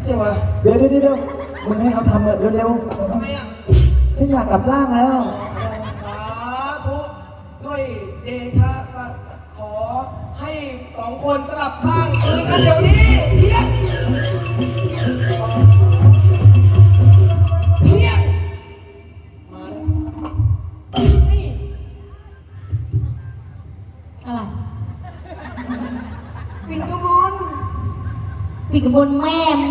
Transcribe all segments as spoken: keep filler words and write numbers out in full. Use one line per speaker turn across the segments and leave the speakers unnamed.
ใช่ไหม
เดี๋ยวเดี๋ยวเดี๋ยวมึงให้เขาทำเร็วเร็ว
ทำไมอ่ะ
ๆฉันอยากกลับร่างแล้ว
สาธุด้วยเดชะขอให้สองคนสลับร่างคืนกันเดี๋ยวนี้เที่ยงเที่ยงมาแล้วนี่
อะไร
ปิ่นกมล
ปีกบนแม่มึง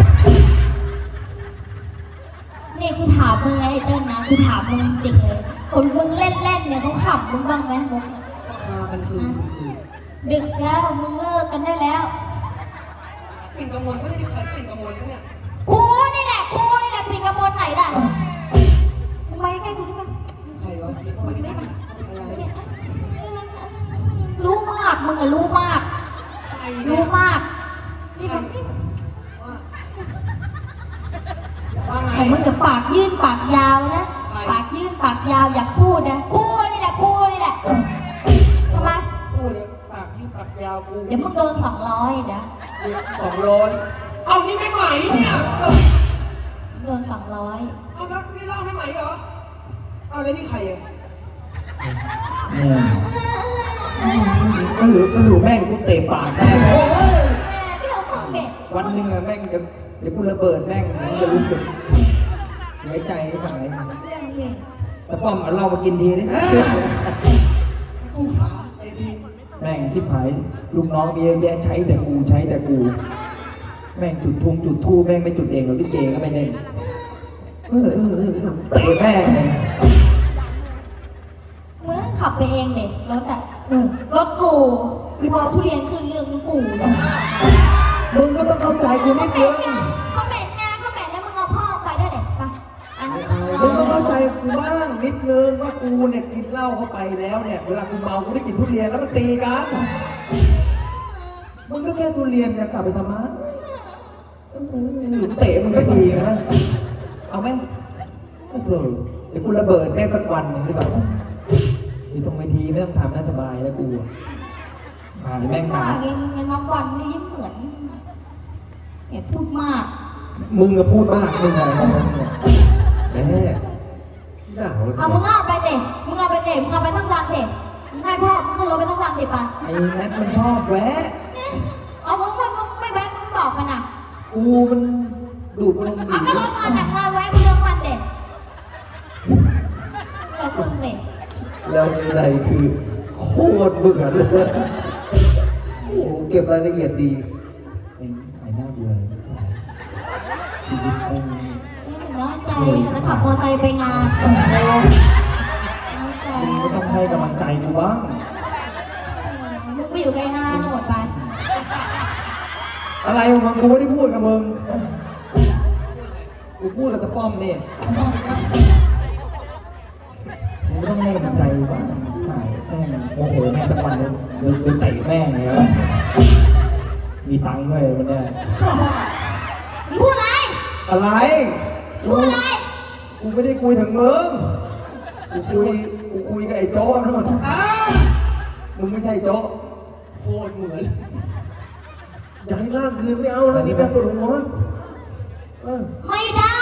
นี่กูถามมึงไงไอ้เติ้ลนะกูถามมึงจริงเลยคนมึงเล่นเล่นเนี่ยเขาขับมึงบ้างไหมมุกเนี่ย
พากันคืนคืนคืน
ดึกแล้วมึงเลิกกันได้แล้ว
ปิ่นกมลไม่ได้มีใครปิ่นกมลนะเนี่ย
กูนี่แหละกูนี่แหละปีกบนไหนล่ะมึงไปใกล้กูได้ไหม
ใครวะมีคนไม่ได้อะไร
รู้มากมึงอะรู้มาก
ใคร
รู้
เนี่ย
มากนี่มึง
ว่าไง
ไอ้มึงจะปากยื่นปากยาวนะปากยื่นปากยาวอยากพูดนะกูนี่แหละกูนี่แหละทำไม
พูดเนี่ยปากยืดปากยาวกู
เดี๋ยวมึงโดนสองร้อยเดี๋ยว
สองร้อยเอานี่ไม่ไหมเนี่ย
โดนสองร้อย
เอาแล้วนี่เล่าไม่ไหมเหรอเอาแล้วนี่ใครอ่ะ
เนี่ยเออเออแม่งกูเตะปากแม่ง
โอ้ย
พี่น้องมึงเด็ก
วันหนึ่งอะแม่งเดี๋ยวเดี๋ยวกูระเบิดแม่งมึงจะรู้สึกเสียใจหรือเปล่า
เรื่องนี้
แต่ป้อมเอาเหล้ามากินทีดิ
กูขาไอ้พี่
แม่งชิบหายลูกน้องมีเยอะแยะใช้แต่กูใช้แต่กู แม่งจุดทุงจุดทู่แม่งไม่จุดเองหรอกที่เจก็ไม่เล่นเออเออเออเออเตะแม่งเลย
มึงขับไปเองเด็กรถอะ
เออ
รถกูกูเอาทุเรียนขึ้นเรื่องกู
มึงก็ต้องเข้าใจกูนิ
เขา
ด
เป็
นึ
น
ง
ไงเขาเป็นไงเขาเป็นแล้วมึงเอาพ่อไปด้วยเด็กไปอ่ะ
มึงต้องเข้าใจกูบ้างนิดนึงว่ากูเนี่ยกินเหล้าเข้าไปแล้วเนี่ยเวลากูเมากูได้กินทุเรียนแล้วมันตีกันมึงก็แค่ทุเรียนเนี่ยกลับไปทำไมเออเตะมึงก็ดีนะเอาไหมเออเดี๋ยวกูระเบิดแม่งสักวันหนึ่งหรือเปล่ามีตรงเวทีไม่ต้องทำน่าสบายแล้วกูอ่าแม่ง
ว่า
มา
เองเงินน้ำวันนี่ยิ้มเหมือนอย่าพูดมาก
มึงก็พูดมากมึงอะไรของมึงเนี่ยแม่ด่า
เอามึงเอาไปเด็กมึงเอาไปเด็กมึงเอาไปทั้งวันเด็กมึงให้พ่อมึงขึ้นรถไปทั้งวันเด็กไป
ไอ้แม็กมันชอบแวะ
เอามึงไม่มึงไม่แวะมึงบอกมันอ่ะ
กูมันดูดลม
เอา
ดี
ก็รถมาแต่งงานไว้มึงเรื่องมันเด็กเกิดคุณเด็ก
แล้วในคือโคตรเหมือนเลยโอ้โหเก็บรายละเอียดดี
ไอ้ไอ้หน้าเบื่อชีวิตแม่ง
นี่มันน้อยใจจะขับมอเตอร์ไซค์ไปงานน้อยใจ
มึงก็ต้องให้กำลังใจกูบ้าง
มึงไปอยู่ไกลนานหมดไป
อะไรของมึงกูไม่ได้พูดกับมึงกูพูดกับตะป้อมนี่มึงก็ต้องให้กำลังใจกูบ้างแม่งโมโหแม่งจังวันเลยเดินเดินเตะแม่งเลยมีตังค์ด้วยวันเนี้ย
มึงพูดอะไร
อะไร
พูดอะไร
กูไม่ได้คุยถึงมึง กูคุย กูคุยกับไอ้โจ้นู่น
อ้าว
มึงไม่ใช่โจ้
โคตรเหมือน
อยากให้ร่างคืนไม่เอาแล้วนี่แม่ปวดหัวเออ
ไม่ได้